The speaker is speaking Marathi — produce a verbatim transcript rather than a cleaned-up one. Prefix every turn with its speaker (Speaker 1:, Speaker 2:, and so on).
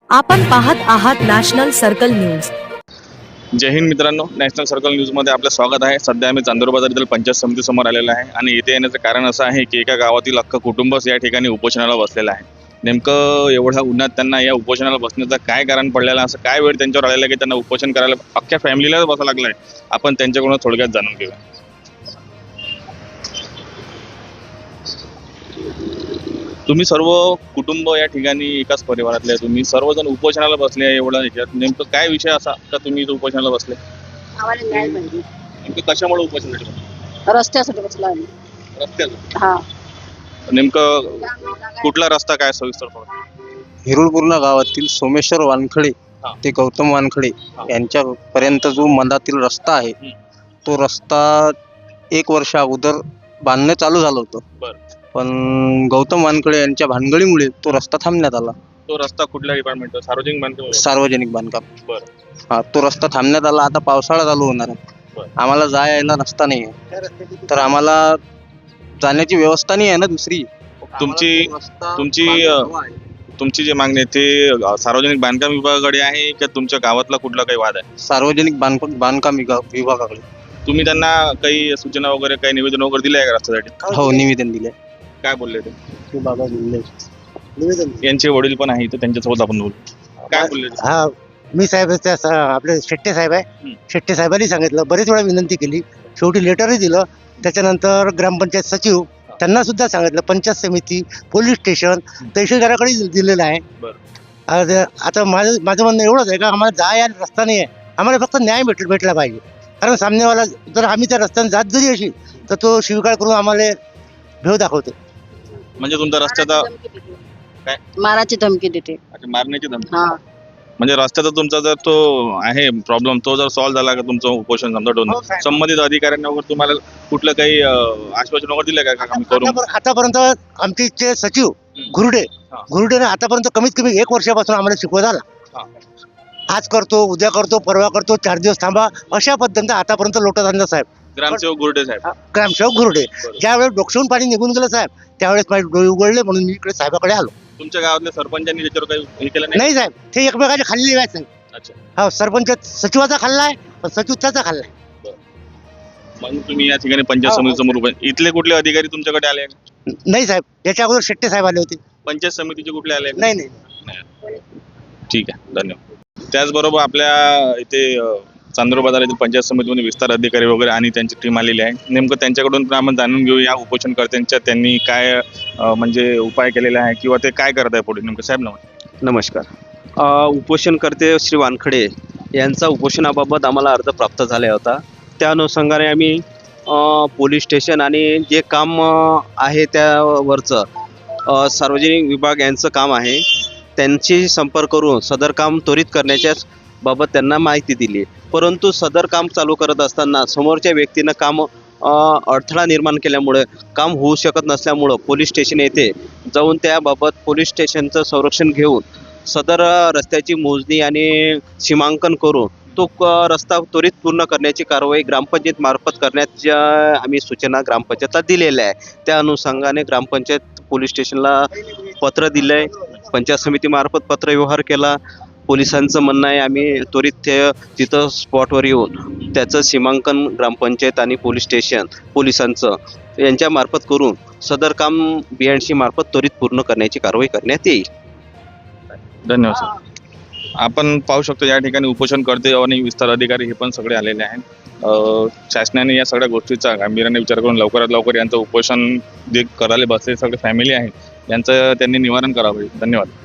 Speaker 1: आपण पाहत आहात नॅशनल सर्कल न्यूज।
Speaker 2: जय हिंद मित्रांनो, नॅशनल सर्कल न्यूजमध्ये आपलं स्वागत आहे। सध्या आम्ही चांदूर बाजारातील पंचायत समितीसमोर आलेला आहे आणि इथे येण्याचं कारण असं आहे की एका गावातील अख्खं कुटुंबच या ठिकाणी उपोषणाला बसलेलं आहे। नेमकं एवढ्या उन्हात त्यांना या उपोषणाला बसण्याचं काय कारण पडलेलं, असं काय वेळ त्यांच्यावर आलेला की त्यांना उपोषण करायला अख्ख्या फॅमिलीलाच बसावं लागलं आहे, आपण त्यांच्याकडून थोडक्यात जाणून घेऊया। तुम्ही सर्व कुटुंब या ठिकाणी एकाच परिवारातले आहे, तुम्ही सर्वजण उपोषणाला बसले आहे। एवढं ह्याच्यात नेमकं काय विषय असा का तुम्ही इथं उपोषणाला बसले?
Speaker 3: आम्हाला न्याय पाहिजे।
Speaker 2: नेमकं कशामुळे उपोषणासाठी बसले?
Speaker 3: रस्त्यासाठी बसलो आम्ही।
Speaker 2: रस्त्याचं
Speaker 3: हा,
Speaker 2: नेमकं कुठला रस्ता काय सविस्तर थोडं?
Speaker 4: हिरुळपूर्णा गावातील सोमेश्वर वानखडे
Speaker 2: हा.
Speaker 4: ते गौतम वानखडे
Speaker 2: हा.
Speaker 4: यांच्यापर्यंत जो मधातील रस्ता आहे
Speaker 2: हम्म.
Speaker 4: तो रस्ता एक वर्ष अगोदर बांधणं चालू झालं होतं,
Speaker 2: बरं,
Speaker 4: पण गौतम वानखडे यांच्या भानगडीमुळे तो रस्ता थांबण्यात आला।
Speaker 2: तो रस्ता कुठल्या डिपार्टमेंट? सार्वजनिक बांधकाम?
Speaker 4: सार्वजनिक बांधकाम।
Speaker 2: बरं,
Speaker 4: हा, तो रस्ता थांबण्यात आला। आता पावसाळा चालू होणार आहे,
Speaker 2: बरं.
Speaker 4: आम्हाला जाय यायला रस्ता नाही आहे, तर आम्हाला जाण्याची व्यवस्था नाही आहे ना दुसरी।
Speaker 2: तुमची
Speaker 4: आम्हाला तो रस्ता
Speaker 2: तुमची
Speaker 4: बांधायला
Speaker 2: अ,
Speaker 4: हवा आहे।
Speaker 2: तुमची जी मागणी आहे ते अ, सार्वजनिक बांधकाम विभागाकडे आहे का तुमच्या गावातला कुठला काही वाद आहे?
Speaker 4: सार्वजनिक बांधकाम बांधकाम विभाग- विभागाकडे।
Speaker 2: तुम्ही त्यांना काही सूचना वगैरे काही निवेदन वगैरे दिले आहे का रस्त्यासाठी?
Speaker 4: हो, निवेदन दिले।
Speaker 2: काय बोलले ते?
Speaker 4: निवेदन
Speaker 2: यांचे वडील पण आहे तर त्यांच्यासोबत आपण बोलू। काय बोलले ते?
Speaker 5: हा, मी साहेब त्या स- आपले शेट्टे साहेब आहे।
Speaker 2: हं.
Speaker 5: शेट्टे साहेबांनी सांगितलं, बरेच वेळा विनंती केली, शेवटी लेटरही दिलं। त्याच्यानंतर ग्रामपंचायत सचिव त्यांना सुद्धा सांगितलं, पंचायत समिती, पोलीस स्टेशन, तहसीलदाराकडे दिलेलं आहे।
Speaker 2: बरं.
Speaker 5: आज आता माझं माझं म्हणणं एवढंच आहे का आम्हाला जाय यायला रस्ता नाही आहे, आम्हाला फक्त न्याय भेट भेटला पाहिजे। कारण सामनेवाला जर आम्ही त्या रस्त्याने जात जरी अशी तर तो शिवीगाळ करून आम्हाला भेव दाखवतो।
Speaker 2: म्हणजे तुमचा रस्त्याचा काय?
Speaker 3: माराची धमकी देते।
Speaker 2: अच्छा, मारण्याची धमकी?
Speaker 3: हा,
Speaker 2: म्हणजे रस्त्याचा तुमचा जर तो आहे प्रॉब्लेम, तो जर सॉल्व्ह झाला का तुमचं उपोषण समजा
Speaker 5: हो,
Speaker 2: दोन
Speaker 5: साहेब.
Speaker 2: संबंधित अधिकाऱ्यांनी वगैरे तुम्हाला कुठलं काही अ, आश्वासन वगैरे दिलं का आम्ही करू?
Speaker 5: आतापर- आतापर्यंत आमचे जे सचिव
Speaker 2: हं.
Speaker 5: घुरडे
Speaker 2: हा.
Speaker 5: घुरडेने आतापर्यंत कमीत कमी एक वर्षापासून आम्हाला शिकवत आला।
Speaker 2: हा.
Speaker 5: आज करतो, उद्या करतो, परवा करतो, चार दिवस थांबा, अशा पद्धतीने आतापर्यंत लोटत आणलं साहेब।
Speaker 2: ग्रामसेवक गुर्डे साहेब?
Speaker 5: ग्रामसेवक घुरडे
Speaker 2: बरोबर.
Speaker 5: ज्यावेळेस डोक्षून पाणी निघून गेलं साहेब, त्यावेळेस माझे डोळे उघडले, म्हणून मी इकडे साहेबाकडे आलो।
Speaker 2: तुमच्या गावातल्या सरपंचांनी त्याच्यावर काही हे केलं नाही?
Speaker 5: नाही साहेब, ते एकमेकाचे खाल्लेले आहेत साहेब।
Speaker 2: अच्छा,
Speaker 5: हो, सरपंच सचिवाचा खाल्लाय, पण सचिव त्याचा खाल्लाय।
Speaker 2: मग तुम्ही या ठिकाणी पंचायत
Speaker 5: हो, हो.
Speaker 2: समिती समोर उभे. इथले कुठले अधिकारी तुमच्याकडे आले का?
Speaker 5: नाही साहेब, याच्या अगोदर शेट्टे साहेब आले होते।
Speaker 2: पंचायत समितीचे कुठले आले का?
Speaker 5: नाही नाही
Speaker 2: नाही. ठीक आहे, धन्यवाद। त्याचबरोबर आपल्या इथे अ, चांदूर बाजार येथील पंचायत समितीमध्ये विस्तार अधिकारी वगैरे आणि त्यांची टीम आलेली आहे। नेमकं त्यांच्याकडून पण आपण जाणून घेऊ या उपोषणकर्त्यांच्या त्यांनी काय अ, म्हणजे उपाय केलेले आहे किंवा ते काय करत आहे पुढे नेमकं। साहेब नमस्कार।
Speaker 6: नमस्कार। अ, उपोषणकर्ते श्री वानखडे यांचा उपोषणाबाबत आम्हाला अर्ज प्राप्त झाला होता। त्या अनुषंगाने आम्ही अ, पोलीस स्टेशन आणि जे काम अ, आहे त्यावरचं अ, सार्वजनिक विभाग यांचं काम आहे, त्यांची संपर्क करून सदर काम त्वरित करण्याच्या बाबत त्यांना माहिती दिली। परंतु सदर काम चालू करत असताना समोरच्या व्यक्तीनं काम अ, अडथळा निर्माण केल्यामुळे काम होऊ शकत नसल्यामुळं पोलीस स्टेशन येथे जाऊन त्याबाबत पोलीस स्टेशनचं संरक्षण घेऊन सदर रस्त्याची मोजणी आणि सीमांकन करून तो क- रस्ता त्वरित पूर्ण करण्याची कारवाई ग्रामपंचायत मार्फत करण्याच्या आम्ही सूचना ग्रामपंचायतला दिलेल्या आहे। त्या अनुषंगाने ग्रामपंचायत पोलीस स्टेशनला पत्र दिलं आहे, पंचायत समितीमार्फत पत्रव्यवहार केला। पोलिसांचं म्हणणं आहे आम्ही त्वरित ते तिथं स्पॉटवर येऊन त्याचं सीमांकन ग्रामपंचायत आणि पोलीस स्टेशन पोलिसांचं यांच्यामार्फत करून सदर काम बी एंड सी मार्फत त्वरित पूर्ण करण्याची कारवाई करण्यात येईल।
Speaker 2: धन्यवाद सर। आपण पाहू शकतो या ठिकाणी उपोषणकर्ते आणि विस्तार अधिकारी हे पण सगळे आलेले आहेत। अ, शासनाने या सगळ्या गोष्टीचा गांभीर्याने विचार करून लवकरात लवकर यांचं उपोषण जे करायला बसलेले सगळे फॅमिली आहे यांचं त्यांनी निवारण करावं। धन्यवाद।